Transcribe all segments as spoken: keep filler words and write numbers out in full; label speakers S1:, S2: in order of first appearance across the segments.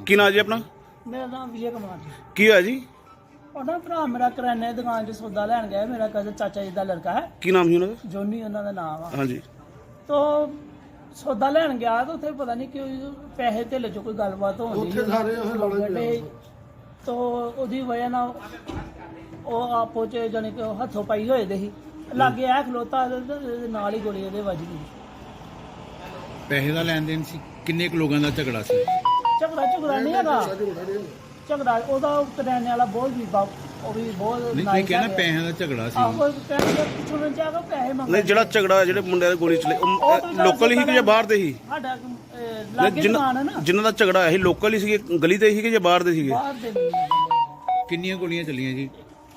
S1: ਕੀ ਨਾਂ ਜੀ ਆਪਣਾ?
S2: ਮੇਰਾ ਨਾਮ ਵਿਜੇ ਕੁਮਾਰ ਜੀ।
S1: ਕੀ ਹੋਇਆ ਜੀ?
S2: ਉਹਦਾ ਭਰਾ ਮੇਰਾ ਕਰਿਆਨੇ ਦੀ ਦੁਕਾਨ 'ਚ ਸੌਦਾ ਲੈਣ ਗਿਆ। ਮੇਰਾ ਕਜ਼ਨ ਚਾਚਾ ਜੀ ਦਾ ਲੜਕਾ ਹੈ,
S1: ਕੀ ਨਾਮ ਸੀ ਉਹਨਾਂ ਦਾ?
S2: ਜੋਨੀ ਉਹਨਾਂ ਦਾ ਨਾਮ ਆ।
S1: ਹਾਂਜੀ।
S2: ਤੋ ਸੌਦਾ ਲੈਣ ਗਿਆ ਤਾਂ ਉੱਥੇ ਪਤਾ ਨਹੀਂ ਕਿਉਂ ਪੈਸੇ ਧੇਲੇ 'ਚ ਕੋਈ ਗੱਲਬਾਤ ਹੋਣੀ ਉੱਥੇ। ਤੋ ਉਹਦੀ ਵਜ੍ਹਾ ਨਾਲ ਉਹ ਆਪੋ 'ਚ ਜਾਣੀ ਕਿ ਹੱਥੋਂ ਪਾਈ ਹੋਏ ਦੇ ਸੀ। ਲਾਗੇ ਆ ਖਲੋਤਾ ਇਹਦੇ ਨਾਲ ਹੀ ਗੋਲੀ ਇਹਦੇ ਵੱਜ ਗਈ।
S3: ਪੈਸੇ ਦਾ ਲੈਣ ਦੇਣ ਸੀ? ਕਿੰਨੇ ਕੁ ਲੋਕਾਂ ਦਾ ਝਗੜਾ ਸੀ?
S2: ਝਗੜਾ ਝਗੜਾ ਨਹੀਂ ਹੈਗਾ, ਝਗੜਾ ਉਹਦਾ ਕਰਿਆਨੇ ਵਾਲਾ ਬਹੁਤ ਵੀ ਬਾ- ਉਹ ਵੀ ਬਹੁਤ
S3: ਨਹੀਂ, ਤੁਸੀਂ
S2: nice
S3: ਕਹਿੰਦੇ
S2: ਹੈਗਾ।
S3: ਪੈਸਿਆਂ ਦਾ ਝਗੜਾ ਸੀ।
S2: ਆਹੋ ਕਹਿੰਦੇ ਸੁਣਨ ਚ ਆਗਾ ਪੈਸੇ ਮੰਗਦੇ।
S1: ਨਹੀਂ, ਜਿਹੜਾ ਝਗੜਾ ਜਿਹੜੇ ਮੁੰਡਿਆਂ ਦੀ ਗੋਲੀ ਚਲੇ ਲੋਕਲ ਹੀ ਕਿ ਜਾਂ ਬਾਹਰ ਦੇ ਸੀ?
S2: ਸਾਡਾ ਅਹ, ਲਾਗੇ ਦੁਕਾਨ ਹੈ ਨਾ,
S1: ਜਿਨ੍ਹਾਂ ਦਾ ਝਗੜਾ ਹੋਇਆ ਸੀ ਲੋਕਲ ਹੀ ਸੀਗੇ, ਗਲੀ ਦੇ ਸੀਗੇ ਜਾਂ ਬਾਹਰ ਦੇ ਸੀਗੇ?
S2: ਬਾਹਰ ਦੇ ਨਹੀਂ।
S3: ਕਿੰਨੀਆਂ ਗੋਲੀਆਂ ਚੱਲੀਆਂ ਜੀ?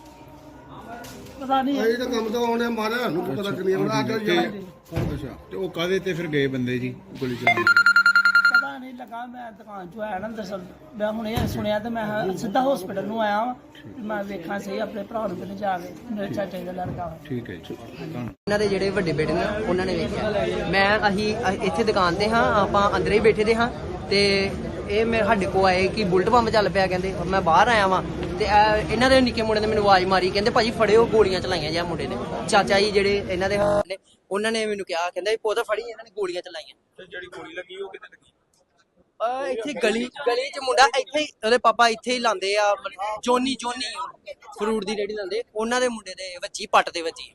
S2: ਪਤਾ ਨਹੀਂ
S4: ਇਹ ਤਾਂ ਕੰਮ ਤਾਂ ਉਹਨੇ ਮਾਰਿਆ ਸਾਨੂੰ ਕੀ ਪਤਾ ਕਿੰਨੀਆਂ ਬਣਾ ਕੇ ਜਾ
S3: ਅੱਛਾ, ਤੇ ਉਹ ਕਾਹਦੇ ਤੇ ਫਿਰ ਗਏ ਬੰਦੇ ਜੀ ਗੋਲੀ ਚਲਾਉਣ?
S2: ਪਤਾ ਨਹੀਂ ਲੱਗਾ। ਮੈਂ ਦੁਕਾਨ ਚੋਂ ਆਇਆ ਨਾ ਦਰਅਸਲ ਮੈਂ ਹੁਣ ਇਹ ਸੁਣਿਆ ਤੇ ਮੈਂ ਸਿੱਧਾ ਹਸਪੀਟਲ ਨੂੰ ਆਇਆ ਵਾਂ। ਮੈਂ ਵੇਖਾਂ ਸਹੀ ਆਪਣੇ ਭਰਾ ਨੂੰ ਕਿਤੇ ਜਾ ਕੇ, ਮੇਰੇ ਚਾਚੇ ਦਾ ਲੜਕਾ ਵਾ।
S3: ਠੀਕ ਹੈ ਜੀ, ਧੰਨਵਾਦ।
S5: ਇਹਨਾਂ ਦੇ ਜਿਹੜੇ ਵੱਡੇ ਬੇਟੇ ਨੇ ਉਹਨਾਂ ਨੇ ਵੇਖਿਆ। ਮੈਂ ਅਸੀਂ ਅ- ਇੱਥੇ ਦੁਕਾਨ ਤੇ ਹਾਂ, ਆਪਾਂ ਅੰਦਰ ਹੀ ਬੈਠੇ ਦੇ ਹਾਂ ਤੇ ਇਹ ਮੇਰੇ ਸਾਡੇ ਕੋ ਆਏ ਕਿ ਬੁਲਟ ਪੰਪ ਚੱਲ ਪਿਆ ਕਹਿੰਦੇ। ਮੈਂ ਬਾਹਰ ਆਇਆ ਵਾਂ ਤੇ ਇਹ- ਇਹਨਾਂ ਦੇ ਨਿੱਕੇ ਮੁੰਡੇ ਨੇ ਮੈਨੂੰ ਆਵਾਜ਼ ਮਾਰੀ, ਕਹਿੰਦੇ ਭਾਜੀ ਫੜਿਓ, ਗੋਲੀਆਂ ਚਲਾਈਆਂ ਜਾਂ ਮੁੰਡੇ ਨੇ। ਚਾਚਾ ਜੀ ਜਿਹੜੇ ਇਹਨਾਂ ਦੇ ਨੇ ਉਹਨਾਂ ਨੇ ਮੈਨੂੰ ਕਿਹਾ, ਕਹਿੰਦਾ ਪੁੱਤ ਫੜੀ, ਇਹਨਾਂ ਨੇ ਗੋਲੀਆਂ ਚਲਾਈਆਂ।
S1: ਤੇ ਜਿਹੜੀ ਗੋਲੀ ਲੱਗੀ ਉਹ ਕਿੱਥੇ ਲੱਗੀ?
S5: ਆ ਇੱਥੇ ਗਲੀ ਗਲੀ ਚ ਮੁੰਡਾ ਇੱਥੇ ਹੀ, ਉਹਦੇ ਪਾਪਾ ਇੱਥੇ ਹੀ ਲਾਉਂਦੇ ਆ, ਜੋਨੀ ਜੋਨੀ ਫਰੂਟ ਦੀ ਰੇਹੜੀ ਲਾਉਂਦੇ, ਉਹਨਾਂ ਦੇ ਮੁੰਡੇ ਦੇ ਵੱਜੀ, ਪੱਟ ਤੇ ਵੱਜੀ।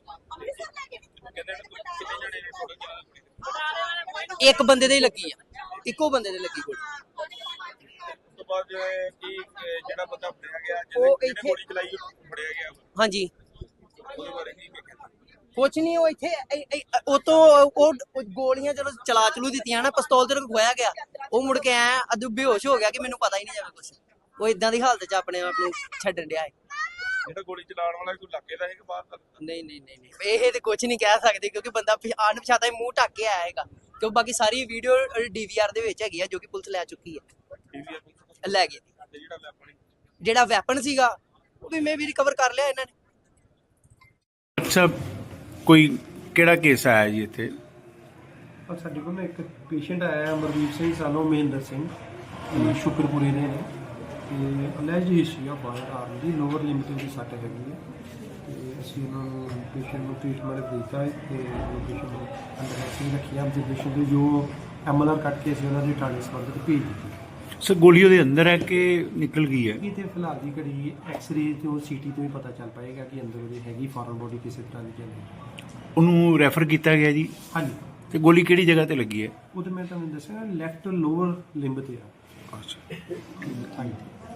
S5: ਇੱਕ ਬੰਦੇ ਦੇ ਹੀ ਲੱਗੀ ਆ, ਇੱਕੋ ਬੰਦੇ ਦੇ ਲੱਗੀ ਗੋਲੀ।
S1: ਉਸ ਤੋਂ ਬਾਅਦ ਕੀ ਜਿਹੜਾ ਬੰਦਾ ਫੜਿਆ ਗਿਆ,
S5: ਉਹ ਇੱਥੇ
S1: ਗੋਲੀ ਚਲਾਈ ਫੜਿਆ ਗਿਆ,
S5: ਹਾਂਜੀ
S1: ਉਹਦੇ ਬਾਰੇ ਕੀ ਵੇਖਿਆ?
S5: ਕੁਛ ਨਹੀਂ, ਉਹ ਇੱਥੇ ਇ- ਇ- ਉਹ ਤੋਂ ਉਹ ਉਹ ਗੋਲੀਆਂ ਜਦੋਂ ਚਲਾ ਚਲੂ ਦਿੱਤੀਆਂ ਨਾ, ਪਿਸਤੌਲ ਤੇ ਖੋਇਆ ਗਿਆ। ਉਹ ਮੁੜ ਕੇ ਐ ਅਦੂ ਬੇਹੋਸ਼ ਹੋ ਗਿਆ ਕਿ ਮੈਨੂੰ ਪਤਾ ਹੀ ਨਹੀਂ ਜਾਵੇ ਕੁਛ। ਉਹ ਇਦਾਂ ਦੀ ਹਾਲਤ 'ਚ ਆਪਣੇ ਆਪ ਨੂੰ ਛੱਡਣ ਡਿਆ ਹੈ।
S1: ਜਿਹੜਾ ਗੋਲੀ ਚਲਾਉਣ ਵਾਲਾ ਕੋਈ ਲੱਗੇ ਦਾ ਹੈ ਕਿ ਬਾਹਰ ਦਾ?
S5: ਨਹੀਂ ਨਹੀਂ ਨਹੀਂ ਨਹੀਂ ਇਹ ਤੇ ਕੁਝ ਨਹੀਂ ਕਹਿ ਸਕਦੇ, ਕਿਉਂਕਿ ਬੰਦਾ ਅਣਪਛਾਤਾ ਮੂੰਹ ਢੱਕ ਕੇ ਆਇਆ ਹੈਗਾ। ਕਿਉਂ ਬਾਕੀ ਸਾਰੀ ਵੀਡੀਓ ਡੀਵੀਆਰ ਦੇ ਵਿੱਚ ਹੈਗੀ ਆ, ਜੋ ਕਿ ਪੁਲਿਸ ਲੈ ਚੁੱਕੀ ਹੈ, ਲੈ ਗਈ।
S1: ਤੇ ਜਿਹੜਾ ਵੈਪਨ
S5: ਜਿਹੜਾ ਵੈਪਨ ਸੀਗਾ ਉਹ ਵੀ ਮੈਂ ਵੀ ਰਿਕਵਰ ਕਰ ਲਿਆ ਇਹਨਾਂ ਨੇ।
S3: ਅੱਛਾ, ਕੋਈ ਕਿਹੜਾ ਕੇਸ ਆਇਆ ਜੀ ਇੱਥੇ?
S6: ਔਰ ਸਾਡੇ ਕੋਲ ਨਾ ਇੱਕ ਪੇਸ਼ੈਂਟ ਆਇਆ ਅਮਰਦੀਪ ਸਿੰਘ ਸਾਨੂੰ ਮਹਿੰਦਰ ਸਿੰਘ, ਇਹ ਸ਼ੁਕਰਪੁਰੇ ਦੇ ਨੇ ਤੇ alleged history of firearm ਦੀ ਲੋਅਰ ਲਿਮਿਟ ਦੀ ਸੱਟ ਹੈਗੀ ਹੈ ਤੇ ਅਸੀਂ ਉਹਨਾਂ ਨੂੰ ਪੇਸ਼ੈਂਟ ਨੂੰ ਟ੍ਰੀਟਮੈਂਟ ਦਿੱਤਾ ਹੈ ਤੇ ਪੇਸ਼ੈਂਟ ਨੂੰ ਅੰਦਰ ਅਸੀਂ ਰੱਖਿਆ ਆਬਜ਼ਰਵੇਸ਼ਨ ਦੇ ਜੋ ਐਮਐਲਆਰ ਕੱਟ ਕੇ ਅਸੀਂ ਉਹਨਾਂ ਦੀ ਟ੍ਰਾਂਸਫਰ ਤੇ ਭੇਜ ਦਿੱਤੀ।
S3: ਸਰ ਗੋਲੀ ਉਹਦੇ ਅੰਦਰ ਹੈ ਕਿ ਨਿਕਲ ਗਈ ਹੈ?
S6: ਇਹ ਤੇ ਫਿਲਹਾਲ ਦੀ ਘੜੀ ਐਕਸ-ਰੇ ਤੇ ਉਹ ਸੀਟੀ ਤੋਂ ਹੀ ਪਤਾ ਚੱਲ ਪਾਏਗਾ ਕਿ ਅੰਦਰ ਉਹਦੇ ਹੈਗੀ ਫੋਰਨ ਬੋਡੀ ਕਿਸੇ ਤਰ੍ਹਾਂ ਦੀ ਜਾਂ ਨਹੀਂ।
S3: ਉਹਨੂੰ ਰੈਫਰ ਕੀਤਾ ਗਿਆ ਜੀ?
S6: ਹਾਂਜੀ,
S3: ਤੇ ਗੋਲੀ ਕਿਹੜੀ ਜਗ੍ਹਾ ਤੇ ਲੱਗੀ ਹੈ?
S6: ਉਹ ਤਾਂ ਮੈਂ ਤੁਹਾਨੂੰ ਦੱਸਿਆ ਲੈਫਟ ਲੋਅਰ ਲਿੰਬ ਤੇ ਆ।
S3: ਅੱਛਾ,
S6: ਹਾਂਜੀ।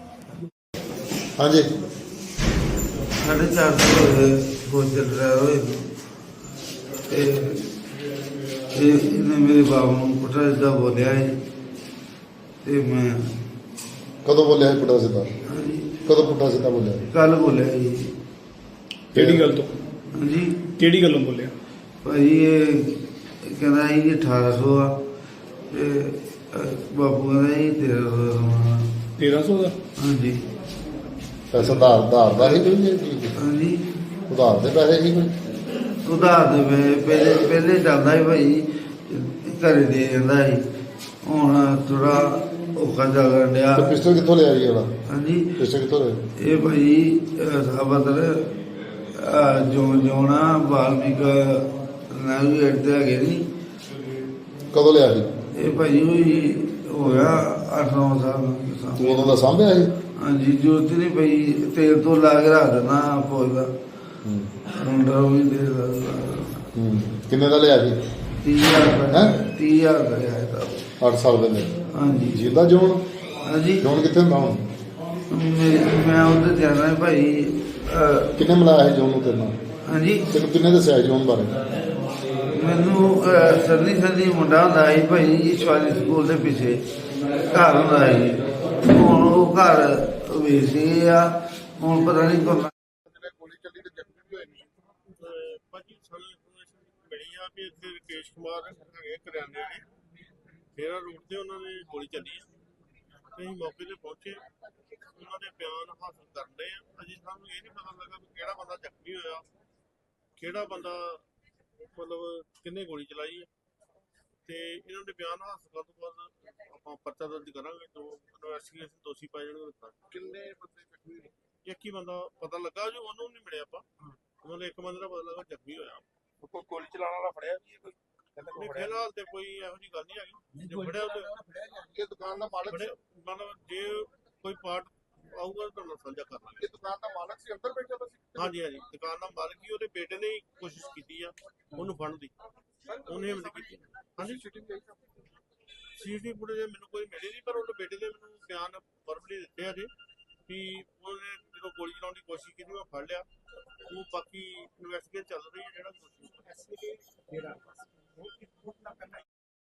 S4: ਹਾਂਜੀ
S7: साढ़े चार सौ हो चल रहा है ते इन्हें मेरे बाबू को पुट्ठा सीधा बोलिया है ते मैं
S4: ਕਦੋਂ ਬੋਲਿਆ ਸੀ ਪੁੱਠਾ ਸਿੱਧਾ? ਕਦੋਂ ਪੁੱਠਾ ਸਿੱਧਾ ਬੋਲਿਆ?
S7: कल बोलिया जी।
S1: ਕਿਹੜੀ ਗੱਲ ਤੋਂ?
S7: जी
S1: ਕਿਹੜੀ ਗੱਲੋਂ ਬੋਲਿਆ?
S7: भाई ये कहना है जी अठारह सौ आ ते बाबू कहना जी तेरह सौ
S1: ਤੇਰਾਂ ਸੌ ਦਾ?
S7: हाँ जी
S4: ਪੈਸਾ ਉਧਾਰ ਉਧਾਰ ਦਾ ਹੀ ਕੋਈ?
S7: हाँ जी
S4: ਉਧਾਰ ਦੇ ਪੈਸੇ ਹੀ ਕੋਈ?
S7: ਉਧਾਰ ਦੇ ਵੇ- ਪਹਿਲੇ ਪਹਿਲੇ ਜਾਂਦਾ ਸੀ ਭਾਈ, ਘਰੇ ਦੇ ਜਾਂਦਾ ਸੀ। ਹੁਣ ਥੋੜਾ ਔਖਾ ਚੱਲਣ ਡਿਆ।
S4: ਤੇ ਪਿਸਟਲ ਕਿੱਥੋਂ ਲਿਆ ਜੀ ਉਹਦਾ?
S7: ਹਾਂਜੀ,
S4: ਪਿਸਟਲ ਕਿੱਥੋਂ ਲਿਆ?
S7: ਇਹ ਭਾਈ ਸਾਬਤਰ ਜੋ ਜੋਣਾ ਬਾਲਮੀਕ ਨੈਵੀਗੇਟ ਤੇ ਹੈਗੇ ਨਹੀਂ।
S4: ਕਦੋਂ ਲਿਆ ਸੀ?
S7: ਇਹ ਭਾਈ ਹੋਈ ਹੋਇਆ ਅੱਠ ਨੌ ਸਾਲ।
S4: ਤੂੰ ਉਦੋਂ ਦਾ ਸਾਂਭਿਆ ਸੀ?
S7: ਹਾਂਜੀ, ਜੋਤ ਨਹੀਂ ਭਾਈ ਤੇਲ ਤੋਂ ਲਾ ਕੇ ਰੱਖ ਦੇਣਾ ਫੌਜ ਦਾ
S4: ਹੂੰ
S7: ਮੁੰਡਾ ਉਹ ਵੀ ਦੇ ਦਾ
S4: ਹੂੰ ਕਿੰਨੇ ਦਾ ਲਿਆ ਸੀ?
S7: ਤੀਹ ਹਜ਼ਾਰ ਰੁਪਏ
S4: ਹੈਂ?
S7: ਤੀਹ ਹਜ਼ਾਰ ਦਾ ਲਿਆ ਤਾਂ।
S4: ਅੱਠ ਸਾਲ ਦੇ
S7: ਹਾਂਜੀ
S4: ਜਿੰਦਾ ਜੋਨ?
S7: ਹਾਂਜੀ,
S4: ਜੋਨ ਕਿੱਥੇ ਹੁੰਦਾ ਹੁਣ?
S7: ਮੈਂ ਮੈਂ ਉਹਦੇ ਜਾਣਾ ਭਾਈ। ਅਹ,
S4: ਕਿੰਨੇ ਮਿਲਾਇਆ ਸੀ ਜੋਨ ਨੂੰ ਤੇਰੇ ਨਾਲ?
S7: ਹਾਂਜੀ,
S4: ਤੈਨੂੰ ਕਿੰਨੇ ਦੱਸਿਆ ਸੀ ਜੋਨ ਬਾਰੇ?
S7: ਮੈਨੂੰ ਅਹ, ਸਰਦੀ ਸਰਦੀ ਮੁੰਡਾ ਹੁੰਦਾ ਸੀ ਭਾਈ ਈਸ਼ਵਾਰੀ ਸਕੂਲ ਦੇ ਪਿੱਛੇ ਘਰ ਹੁੰਦਾ ਸੀ। ਹੁਣ ਉਹ ਘਰ ਵੇਚੇ ਆ, ਹੁਣ ਪਤਾ ਨਹੀਂ ਕੌਣ।
S8: ਗੋਲੀ ਚੱਲੀ ਤੇ ਜ਼ਖਮੀ ਹੋਏ ਨੇ। ਭਾਜੀ ਸਾਨੂੰ ਇਨਫੋਰਮੇਸ਼ਨ ਮਿਲੀ ਆ ਵੀ ਇੱਥੇ ਰਕੇਸ਼ ਕੁਮਾਰ ਹੈਗੇ ਕਰਿਆਨੇ ਦੇ ਫੇਰਾ ਰੋਡ ਤੇ ਉਹਨਾਂ ਨੇ ਗੋਲੀ ਚੱਲੀ ਆ ਤੇ ਅਸੀਂ ਮੌਕੇ ਤੇ ਪਹੁੰਚੇ, ਉਹਨਾਂ ਦੇ ਬਿਆਨ ਹਾਸਲ ਕਰਨ ਦੇ ਆ। ਅਜੇ ਸਾਨੂੰ ਇਹ ਨਹੀਂ ਪਤਾ ਲੱਗਾ ਵੀ ਕਿਹੜਾ ਬੰਦਾ ਜ਼ਖਮੀ ਹੋਇਆ, ਕਿਹੜਾ ਬੰਦਾ ਮਤਲਬ ਕਿੰਨੇ ਗੋਲੀ ਚਲਾਈ ਹੈ ਤੇ ਇਹਨਾਂ ਦੇ ਬਿਆਨ ਹਾਸਲ ਕਰਨ ਤੋਂ ਬਾਅਦ ਆਪਾਂ ਪਰਚਾ ਦਰਜ ਕਰਾਂਗੇ ਜੋ ਇਨਵੈਸਟੀਗੇਸ਼ਨ ਦੋਸ਼ੀ ਪਾਏ ਜਾਣਗੇ। ਕਿੰਨੇ ਬੰਦੇ ਜ਼ਖਮੀ ਹੋਏ? ਇੱਕ ਹੀ ਬੰਦਾ ਪਤਾ ਲੱਗਾ ਜੋ ਉਹਨੂੰ ਨਹੀਂ ਮਿਲਿਆ ਆਪਾਂ, ਉਹਨਾਂ ਦੇ ਇੱਕ ਬੰਦੇ ਦਾ ਪਤਾ ਲੱਗਾ ਜ਼ਖਮੀ ਹੋਇਆ।
S1: ਕੋਈ ਗੋਲੀ ਚਲਾਉਣ ਵਾਲਾ ਫੜਿਆ ਵੀ ਕੋਈ?
S8: ਨਹੀਂ ਫਿਲਹਾਲ ਤੇ ਕੋਈ ਇਹੋ ਜਿਹੀ ਗੱਲ ਨਹੀਂ ਹੈਗੀ। ਜੇ ਫੜਿਆ ਤੇ
S1: ਇਹ ਦੁਕਾਨ ਦਾ ਮਾਲਕ ਸੀ?
S8: ਮਤਲਬ ਜੇ ਕੋਈ ਪਾਰਟ ਆਊਗਾ ਤਾਂ ਤੁਹਾਨੂੰ ਸਾਂਝਾ ਕਰ ਲਾਂਗੇ।
S1: ਇਹ ਦੁਕਾਨ ਦਾ ਮਾਲਕ ਸੀ, ਅੰਦਰ ਬੈਠਾ ਸੀ?
S8: ਹਾਂਜੀ ਹਾਂਜੀ, ਦੁਕਾਨ ਦਾ ਮਾਲਕ ਹੀ, ਉਹਦੇ ਬੇਟੇ ਨੇ ਹੀ ਕੋਸ਼ਿਸ਼ ਕੀਤੀ ਆ ਉਹਨੂੰ ਫੜਨ ਦੀ, ਉਹਨੇ ਹਿੰਮਤ ਕੀਤੀ। ਹਾਂਜੀ ਸੀਸੀਟੀਵੀ ਫੁਟੇਜ ਮੈਨੂੰ ਕੋਈ ਮਿਲੀ ਨਹੀਂ, ਪਰ ਉਹਦੇ ਬੇਟੇ ਦੇ ਮੈਨੂੰ ਬਿਆਨ ਵਰਬਲੀ ਦਿੱਤੇ ਆ ਜੀ ਕਿ ਉਹਨੇ ਜਦੋਂ ਗੋਲੀ ਚਲਾਉਣ ਦੀ ਕੋਸ਼ਿਸ਼ ਕੀਤੀ ਮੈਂ ਫੜ ਲਿਆ। ਉਹ ਬਾਕੀ ਇਨਵੈਸਟੀਗੇਸ਼ਨ ਚੱਲ ਰਹੀ ਹੈ ਜਿਹੜਾ ਦੋਸ਼ੀ